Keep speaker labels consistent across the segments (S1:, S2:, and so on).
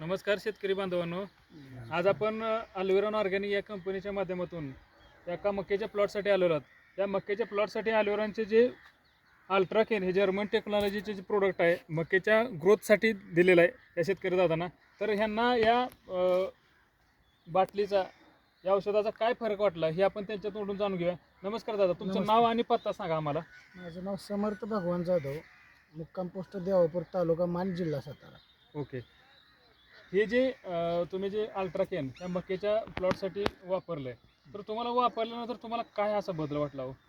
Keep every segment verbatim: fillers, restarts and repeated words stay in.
S1: नमस्कार शेतकरी बांधवांनो, आज आपण अल्विरॉन ऑर्गॅनिक या कंपनीच्या माध्यमातून एका मक्याच्या प्लॉटसाठी आलेलो आहोत। या मक्याच्या प्लॉटसाठी अल्विरॉनचे जे अल्ट्राकेन हे जर्मन टेक्नॉलॉजीचे जे प्रोडक्ट आहे मक्याच्या ग्रोथसाठी दिलेलं आहे या शेतकरी दादांना। तर ह्यांना या बाटलीचा या औषधाचा काय फरक वाटला हे आपण त्यांच्या तोंडून जाणून घेऊया। नमस्कार दादा, तुमचं नाव आणि पत्ता सांगा आम्हाला।
S2: माझं नाव समर्थ भगवान जाधव, मुक्काम पोस्ट देवापूर, तालुका मान, जिल्हा सातारा।
S1: ओके, हे जे तुम्ही जे अल्ट्राकेन या मक्याच्या प्लॉटसाठी वापरलंय, तर तुम्हाला वापरल्यानंतर तुम्हाला काय असा बदल वाटला हो?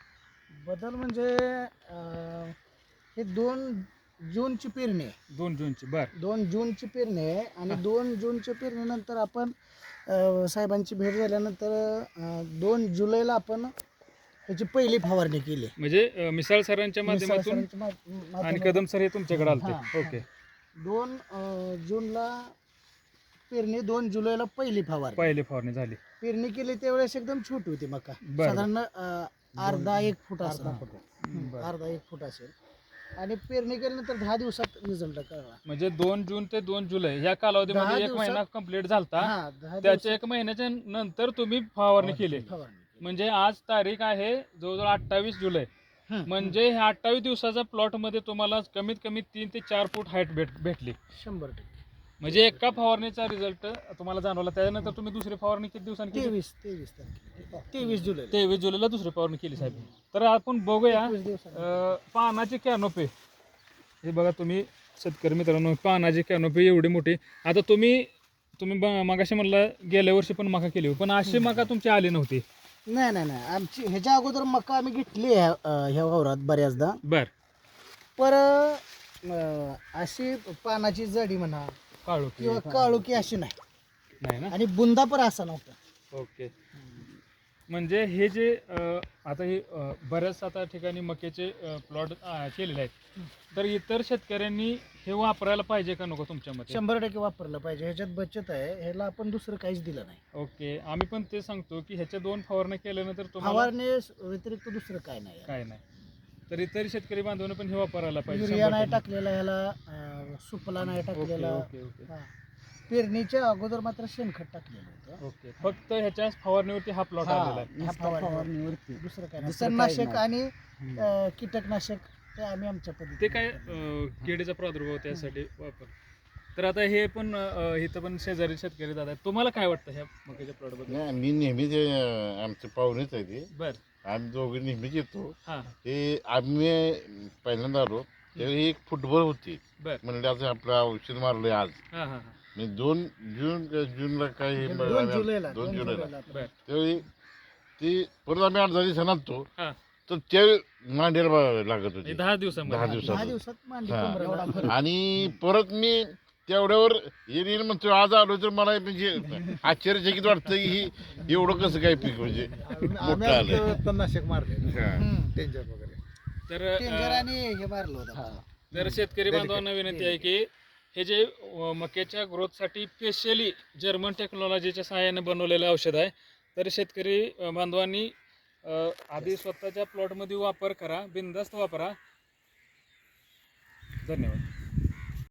S2: बदल म्हणजे अं, हे दोन जूनची पेरणी आहे।
S1: दोन जूनची बर
S2: दोन जूनची पेरणी आहे आणि दोन जूनच्या पेरणीनंतर आपण अं, साहेबांची भेट झाल्यानंतर अं, दोन जुलैला आपण त्याची पहिली फवारणी केली।
S1: म्हणजे अं, मिसाळ सरांच्या माध्यमातून
S2: मिसाळ सरांच्या मा-
S1: आणि
S2: माध्यमातून
S1: कदम सर हे तुमच्याकडे
S2: हा,
S1: आलते।
S2: हा.
S1: ओके,
S2: दोन अं, जूनला पेरणी, दोन जुलैला पहिली फवारणी
S1: पहिली फवारणी झाली।
S2: पेरणी केली त्यावेळेस एकदम छोटी होती मका,
S1: बरं.
S2: साधारण अं, अर्धा एक फूट असेल,
S1: बरं.
S2: अर्धा एक फूट असेल। आणि पेरणी केल्यानंतर दहा दिवसात रिझल्ट कळला।
S1: म्हणजे दोन जून ते दोन जुलै या कालावधीमध्ये
S2: दहा
S1: एक
S2: दिवसात-
S1: महिना कंप्लीट झालता।
S2: हा, दहा
S1: त्याच्या
S2: दिवसात
S1: एक महिन्याच्या नंतर तुम्ही फवारणी केली।
S2: फवारणी केली.
S1: म्हणजे आज तारीख आहे जवळजवळ अठ्ठावीस जुलै।
S2: हं,
S1: म्हणजे ह्या अठ्ठावीस दिवसाच्या प्लॉट मध्ये तुम्हाला कमीत कमी तीन ते चार फूट हाईट भेट भेटली।
S2: शंभर टक्के
S1: म्हणजे एका फवारणीचा रिझल्ट तुम्हाला जाणवला। त्यानंतर तुम्ही दुसरी फवारणी किती दिवसांनी केली?
S2: तेवीस तेवीस तारखेला तेवीस जुलै
S1: तेवीस जुलैला दुसरी फवारणी केली साहेब। तर आपण बघूया
S2: एकवीस दिवसांनी.
S1: अं, पानाची कॅनोपी हे बघा तुम्ही शेतकरी मित्रांनो, पानाची कॅनोपी एवढी मोठी। आता तुम्ही तुम्ही ब- मगाशी म्हणला गेल्या वर्षी पण मका केली होती, पण अशी मका तुमची आली नव्हती।
S2: नाही नाही नाही आमची ह्याच्या अगोदर मका आम्ही घेतली ह्या अं, ह्या वावरात बऱ्याचदा,
S1: बर
S2: पर अं, अशी पानाची जाडी म्हणा
S1: काळू
S2: किंवा काळुकी अशी नाही,
S1: नाही ना?
S2: आणि बुंदा पण असा नव्हता।
S1: ओके, म्हणजे हे जे अं, आता हे अं, बऱ्याच आता ठिकाणी मक्याचे प्लॉट केलेले आहेत, तर इतर शेतकऱ्यांनी हे वापरायला पाहिजे का नको तुमच्या मते?
S2: शंभर टक्के वापरलं पाहिजे, ह्याच्यात बचत आहे, ह्याला आपण दुसरं काहीच दिलं नाही।
S1: ओके, आम्ही पण ते सांगतो की ह्याच्या दोन फवारण्या केल्यानंतर तुम्हाला
S2: फवारणी व्यतिरिक्त दुसरं काय नाही आहे.
S1: काय नाही, तर इतर शेतकरी बांधवांनी पण हे वापरायला पाहिजे।
S2: युरिया नाही
S1: शंभर
S2: टाकलेला ह्याला, अं, सुफला नाही
S1: टक्के.
S2: टाकलेला।
S1: ओके ओके ओके
S2: हा. पेरणीच्या अगोदर मात्र शेणखत टाकलेलं होतं।
S1: ओके, फक्त ह्याच्या फवारणीवरती हा प्लॉट आलेला आहे।
S2: ह्या फवारणीवरती दुसरं काय नाही,
S3: दुसरं काही
S2: तणनाशक आणि
S1: हम्म.
S2: अं, कीटकनाशक ते आम्ही आमच्या
S1: ते
S2: पद्धतीने
S1: काय अं, किडीचा प्रादुर्भाव त्यासाठी वापर। तर आता हे पण अं, इथं पण शेजारी शेतकरी दादा आहेत, तुम्हाला काय वाटतं ह्या मक्याच्या प्लॉट बद्दल?
S3: नाही, मी नेहमी ते अं, आमचे पाहुणेच आहे ते.
S1: बर
S3: आम्ही दोघे नेहमीच येतो.
S1: हा
S3: ते आम्ही पहिल्यांदा आलो त्यावेळी एक फुटबॉल होती,
S1: बर
S3: म्हणजे असं आपलं औषध मारलंय आज.
S1: हा हा हा
S3: म्हणजे दोन जून जूनला काय हे
S2: दोन
S3: आम्ही-
S2: जुलैला
S3: दोन
S2: दोन
S3: जुलैला
S2: जुलैला
S1: बर
S3: त्यावेळी ती परत आम्ही अर्धा दिवसांना आणतो,
S1: हा
S3: तर त्यावेळी मांडीला लागत होती
S1: दहा दिवसामध्ये
S3: दहा
S2: दहा
S3: दिवसात.
S2: दिवसात मांडी
S3: हा.
S2: कोंबऱ्याला भरली.
S3: आणि परत मी तेवढ्यावर येईल येईल म्हणतो, आज आलो तर मला म्हणजे आश्चर्यचकित वाटतं की ही एवढं कसं काय पीक म्हणजे मोठं आलंय.
S4: तणनाशक मारले
S3: हा.
S2: हम्म.
S4: टेंजर वगैरे.
S1: तर
S2: टेंजर
S1: अं,
S2: आणि हे मारलं होतं.
S1: तर शेतकरी बांधवांना विनंती आहे की हे जे अं, मक्याच्या ग्रोथसाठी स्पेशली जर्मन टेक्नॉलॉजीच्या सहाय्याने बनवलेलं औषध आहे। तर शेतकरी अं, बांधवांनी अं, आधी स्वतःच्या प्लॉटमध्ये वापर करा, बिनधास्त वापरा। धन्यवाद।